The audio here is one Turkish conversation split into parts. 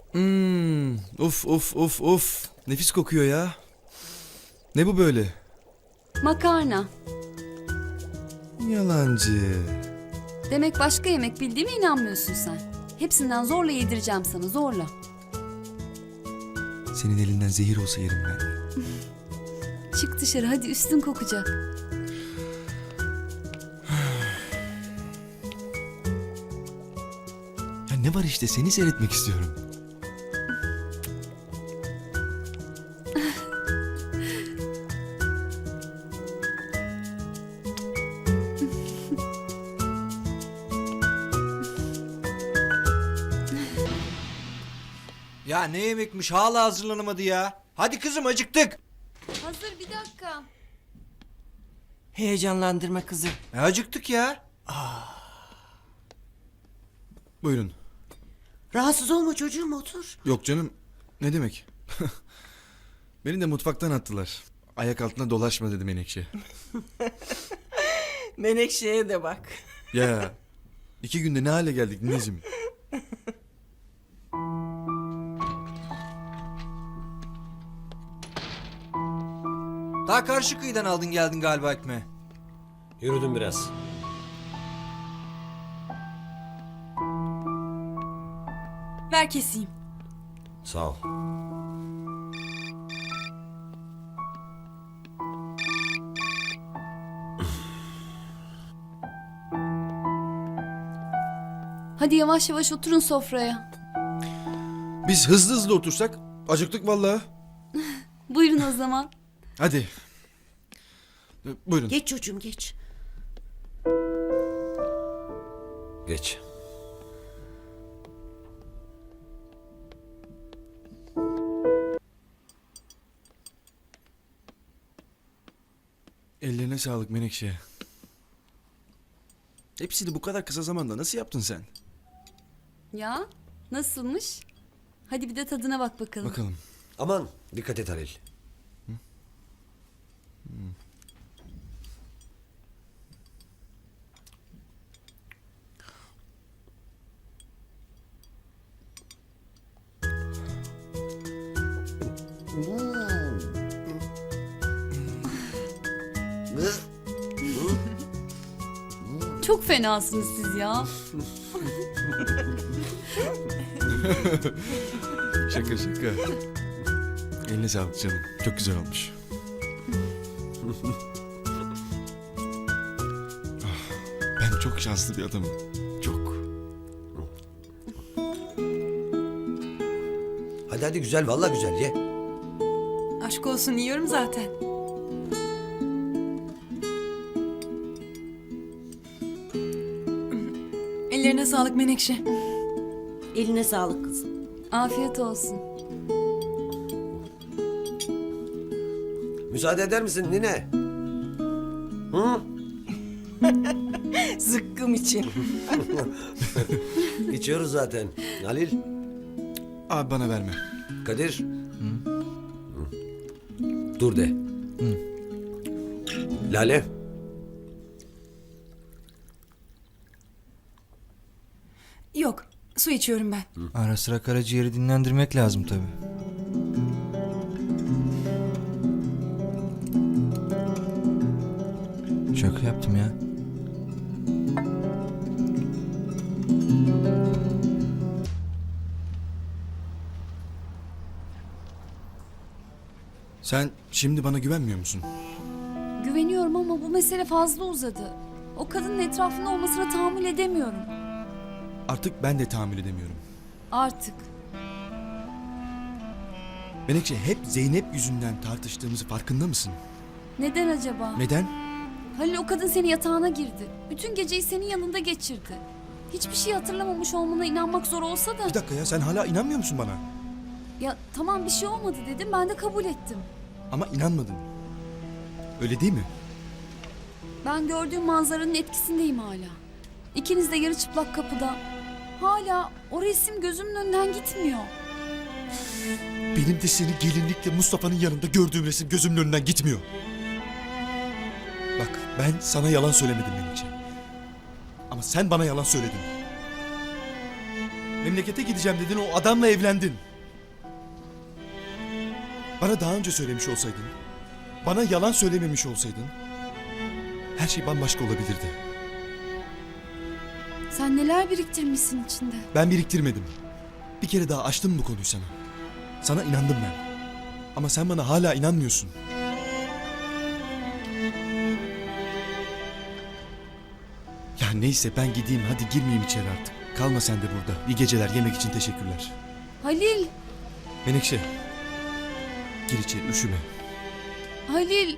Uf uf uf uf. Nefis kokuyor ya. Ne bu böyle? Makarna. Yalancı. Demek başka yemek bildiğime inanmıyorsun sen. Hepsinden zorla yedireceğim sana, zorla. Senin elinden zehir olsa yerim ben. Çık dışarı hadi, üstün kokacak. Ya ne var işte, seni seyretmek istiyorum. Ya ne yemekmiş, hala hazırlanamadı ya. Hadi kızım, acıktık. Hazır, bir dakika. Heyecanlandırma kızı. Acıktık ya. Buyurun. Rahatsız olma çocuğum, otur. Yok canım. Ne demek? Beni de mutfaktan attılar. Ayak altına dolaşma dedi Menekşe. Menekşe'ye de bak. Ya 2 günde ne hale geldik Nezim. Daha karşı kıyıdan aldın geldin galiba ekmeği. Yürüdüm biraz. Ver keseyim. Sağ ol. Hadi yavaş yavaş oturun sofraya. Biz hızlı hızlı otursak acıktık vallahi. Buyurun o zaman. Hadi. Buyurun. Geç çocuğum, geç. Geç. Ellerine sağlık Menekşe. Hepsini bu kadar kısa zamanda nasıl yaptın sen? Ya nasılmış? Hadi bir de tadına bak bakalım. Bakalım. Aman dikkat et Halil. Çok fenasınız siz ya. Şaka şaka. Eline sağlık canım. Çok güzel olmuş. Ah, ben çok şanslı bir adamım. Çok. Hadi hadi, güzel, vallahi güzel, ye. Aşk olsun, yiyorum zaten. Ellerine sağlık Menekşe. Eline sağlık kızım. Afiyet olsun. Müsaade eder misin nine? Hı? Zıkkım için. İçiyoruz zaten. Halil, Abi bana verme. Kadir. Dur de. Lale. Yok, su içiyorum ben. Ara sıra karaciğeri dinlendirmek lazım tabii. Şaka yaptım ya. Sen şimdi bana güvenmiyor musun? Güveniyorum ama bu mesele fazla uzadı. O kadının etrafında olmasına tahammül edemiyorum. Artık ben de tahammül edemiyorum. Artık. Menekşe, hep Zeynep yüzünden tartıştığımızı farkında mısın? Neden acaba? Neden? Halil, o kadın senin yatağına girdi. Bütün geceyi senin yanında geçirdi. Hiçbir şey hatırlamamış olmana inanmak zor olsa da... Bir dakika ya, sen hala inanmıyor musun bana? Ya tamam, bir şey olmadı dedim, ben de kabul ettim. Ama inanmadın. Öyle değil mi? Ben gördüğüm manzaranın etkisindeyim hala. İkiniz de yarı çıplak kapıda. Hala o resim gözümün önünden gitmiyor. Benim de seni gelinlikle Mustafa'nın yanında gördüğüm resim gözümün önünden gitmiyor. Bak, ben sana yalan söylemedim Menekşe. Ama sen bana yalan söyledin. Memlekete gideceğim dedin, o adamla evlendin. Bana daha önce söylemiş olsaydın, bana yalan söylememiş olsaydın, her şey bambaşka olabilirdi. Sen neler biriktirmişsin içinde. Ben biriktirmedim. Bir kere daha açtım bu konuyu sana. Sana inandım ben. Ama sen bana hala inanmıyorsun. Ya neyse, ben gideyim, hadi girmeyeyim içeri artık. Kalma sen de burada. İyi geceler, yemek için teşekkürler. Halil, Menekşe, gir içeri, üşüme. Halil.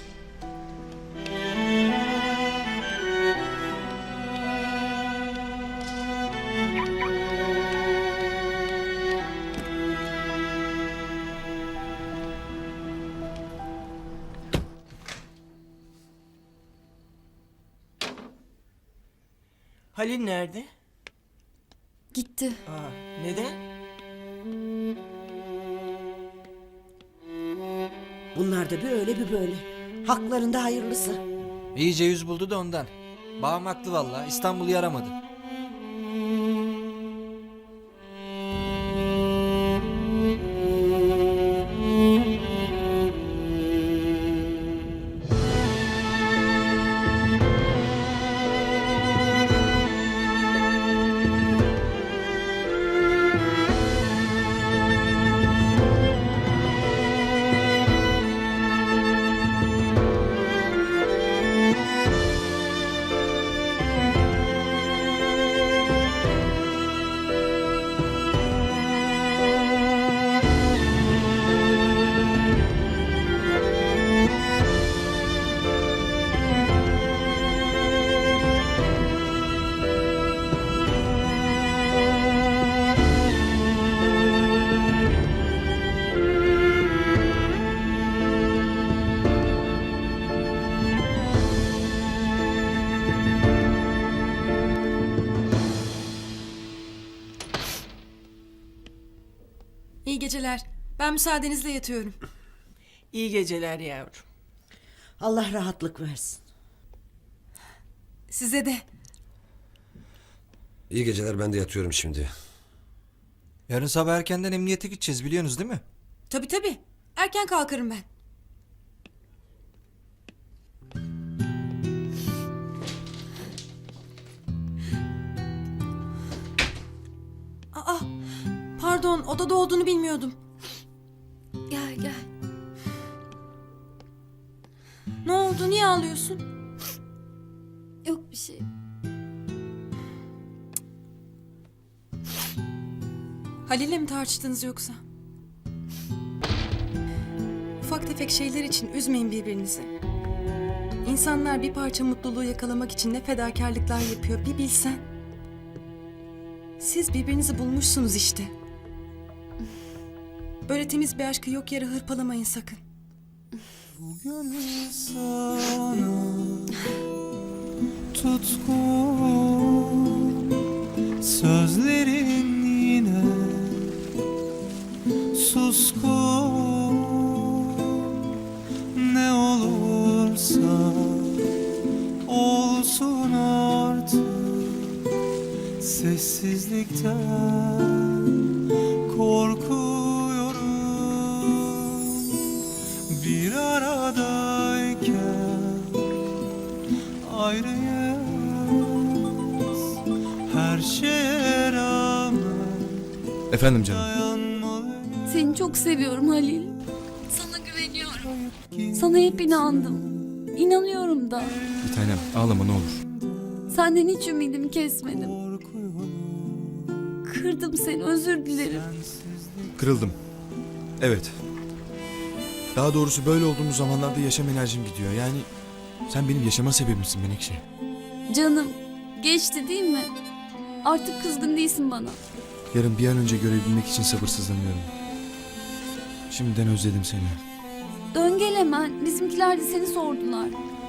Halil nerede? Gitti. Aa, neden? Bunlar da bir öyle bir böyle. Haklarında hayırlısı. İyice yüz buldu da ondan. Babam haklı valla. İstanbul'u yaramadı. İyi geceler. Ben müsaadenizle yatıyorum. İyi geceler yavrum. Allah rahatlık versin. Size de. İyi geceler, ben de yatıyorum şimdi. Yarın sabah erkenden emniyete gideceğiz, biliyorsunuz değil mi? Tabii tabii. Erken kalkarım ben. Aa, pardon, odada olduğunu bilmiyordum. Gel gel. Ne oldu, niye ağlıyorsun? Yok bir şey. Halil'le mi tartıştınız yoksa? Ufak tefek şeyler için üzmeyin birbirinizi. İnsanlar bir parça mutluluğu yakalamak için ne fedakarlıklar yapıyor bir bilsen. Siz birbirinizi bulmuşsunuz işte. Böyle temiz bir aşkı yok yere hırpalamayın sakın. Bugün sana tutku, sözlerin yine suskun, ne olursa olsun artık, sessizlikten korkuyorum. Bir aradayken ayrıyız, her şeye rağmen Efendim canım. dayanmalıyız. Seni çok seviyorum Halil. Sana güveniyorum. Sana hep inandım. İnanıyorum da. Bir tanem, ağlama ne olur. Senden hiç ümidimi kesmedim. Kırdım seni, özür dilerim. Kırıldım. Evet. Daha doğrusu böyle olduğumuz zamanlarda yaşam enerjim gidiyor. Yani sen benim yaşama sebebimsin Menekşe. Canım, geçti değil mi? Artık kızgın değilsin bana. Yarın bir an önce görebilmek için sabırsızlanıyorum. Şimdiden özledim seni. Dön gel hemen. Bizimkiler de seni sordular.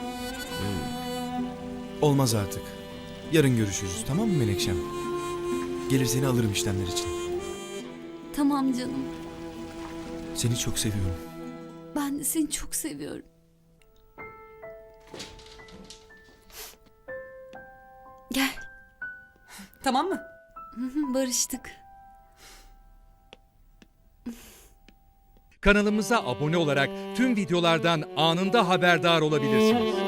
Olmaz artık. Yarın görüşürüz, tamam mı Menekşem? Gelir seni alırım işlemler için. Tamam canım. Seni çok seviyorum. Ben de seni çok seviyorum. Gel. Tamam mı? Barıştık. Kanalımıza abone olarak tüm videolardan anında haberdar olabilirsiniz.